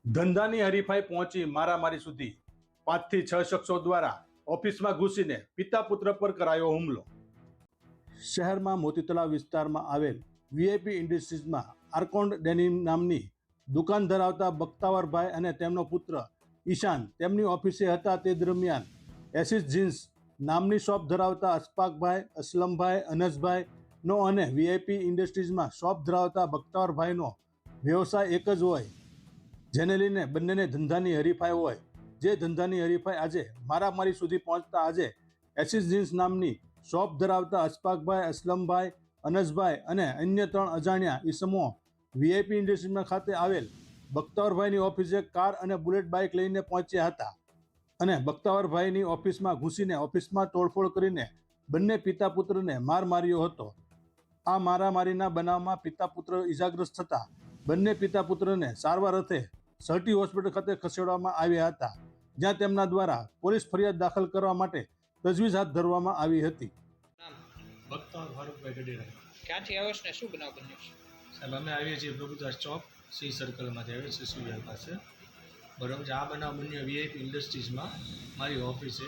ધંધાની હરીફાઈ પહોંચી મારામારી સુધી 5 થી 6 શખ્સો દ્વારા ઓફિસમાં ઘૂસીને પિતા પુત્ર પર કરાયો હુમલો. શહેરમાં મોતી તળાવ વિસ્તારમાં આવેલ વીઆઈપી ઇન્ડસ્ટ્રીઝમાં આર્કોન્ડ ડેનિમ નામની દુકાન ધરાવતા બખ્તાવરભાઈ અને તેમનો પુત્ર ઈશાન તેમની ઓફિસે હતા. તે દરમિયાન એસિસ જીન્સ નામની શોપ ધરાવતા અશફાકભાઈ, અસલમભાઈ, અનસભાઈનો અને વીઆઈપી ઇન્ડસ્ટ્રીઝમાં શોપ ધરાવતા બખ્તાવરભાઈનો વ્યવસાય એક જ હોય, જેને લઈને બંનેને ધંધાની હરીફાઈ હોય. જે ધંધાની હરીફાઈ આજે મારામારી સુધી પહોંચતા આજે એસિસ જીન્સ નામની શોપ ધરાવતા અશફાકભાઈ, અસલમભાઈ, અનસભાઈ અને અન્ય 3 અજાણ્યા ઈસમો વીઆઈપી ઇન્ડસ્ટ્રીઝમાં ખાતે આવેલ બખ્તાવરભાઈની ઓફિસે કાર અને બુલેટ બાઇક લઈને પહોંચ્યા હતા અને બખ્તાવરભાઈની ઓફિસમાં ઘૂસીને ઓફિસમાં તોડફોડ કરીને બંને પિતા પુત્રને માર માર્યો હતો. આ મારામારીના બનાવમાં પિતા પુત્ર ઇજાગ્રસ્ત થતા બંને પિતા પુત્રને સારવાર અર્થે સર્ટી હોસ્પિટલ ખાતે ખસેડવામાં આવ્યા હતા, જ્યાં તેમના દ્વારા પોલીસ ફરિયાદ દાખલ કરવા માટે તજવીજ હાથ ધરવામાં આવી હતી. બખ્તાવર ફારૂકભાઈ ગઢેરા. ક્યાંથી આવ્યો છે ને શું બનાવ બન્યો છે? સાહેબ અમે આવીએ છીએ પ્રભુદાસ ચોક સી સર્કલમાંથી આવીએ છીએ સુવિધા પાસે. બરાબર છે. આ બનાવ બન્યો વીઆઈપી ઇન્ડસ્ટ્રીઝમાં મારી ઓફિસે.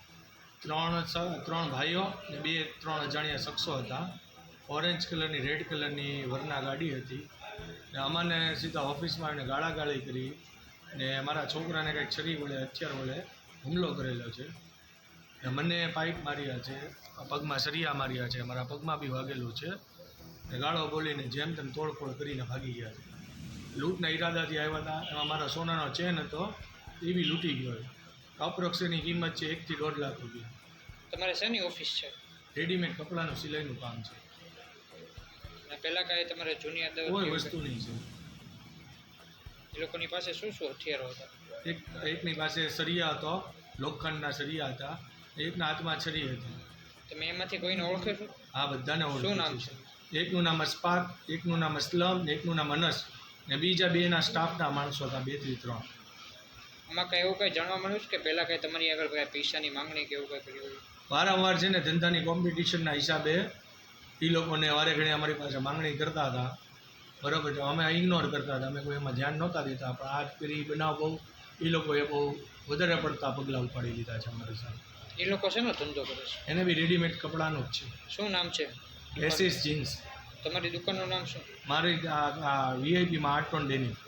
ત્રણ ભાઈઓ ને 3 અજાણ્યા શખ્સો હતા. ઓરેન્જ કલરની, રેડ કલરની વરના ગાડી હતી ને અમને સીધા ઓફિસમાં આવીને ગાળાગાળી કરી ને મારા છોકરાને કંઈક છરી વડે, હથિયાર વડે હુમલો કરેલો છે. મને પાઇપ માર્યા છે, પગમાં સરિયા માર્યા છે, મારા પગમાં બી વાગેલું છે ને ગાળો બોલીને જેમ તેમ તોડફોડ કરીને ભાગી ગયા છે. લૂંટના ઈરાદાથી આવ્યા હતા. એમાં મારા સોનાનો ચેન હતો એ બી લૂંટી ગયો. અપ્રોક્સની કિંમત છે 1 થી 1.5 લાખ રૂપિયા. તમારે શેની ઓફિસ છે? રેડીમેડ કપડાનું સિલાઈનું કામ છે. અને પહેલાં કાંઈ તમારે જૂની આદત કોઈ વસ્તુ નહીં છે. એ લોકોની પાસે શું શું હથિયારો હતા? એકની પાસે સરિયા હતો, લોખંડના સરિયા હતા, એકના હાથમાં છરી હતી. તમે એમાંથી કોઈને ઓળખો છો? આ બધાને ઓળખું. શું નામ છે? એકનું નામ અશફાક, એકનું નામ અસલમ ને એકનું નામ અનસ ને બીજા 2ના સ્ટાફના માણસો હતા, 2 થી 3. આમાં કાંઈ એવું કંઈ જાણવા મળ્યું છે કે પહેલાં કાંઈ તમારી આગળ કાંઈ પૈસાની માંગણી કે એવું કાંઈ કર્યું? વારંવાર છે ને ધંધાની કોમ્પિટિશનના હિસાબે એ લોકોને વારે ઘણી અમારી પાસે માંગણી કરતા હતા. બરાબર છે. અમે ઇગ્નોર કરતા હતા, અમે કોઈ એમાં ધ્યાન નહોતા દેતા. પણ આ કરી બનાવ બહુ એ લોકોએ બહુ વધારે પડતા પગલાં ઉપાડી લીધા છે અમારી સાથે. એ લોકો શેનો ધંધો કરે છે? એને બી રેડીમેડ કપડાનું જ છે. શું નામ છે? એસિસ જીન્સ. તમારી દુકાનનું નામ શું? મારી વીઆઈપીમાં આર્કોન્ડ ડેનિમ.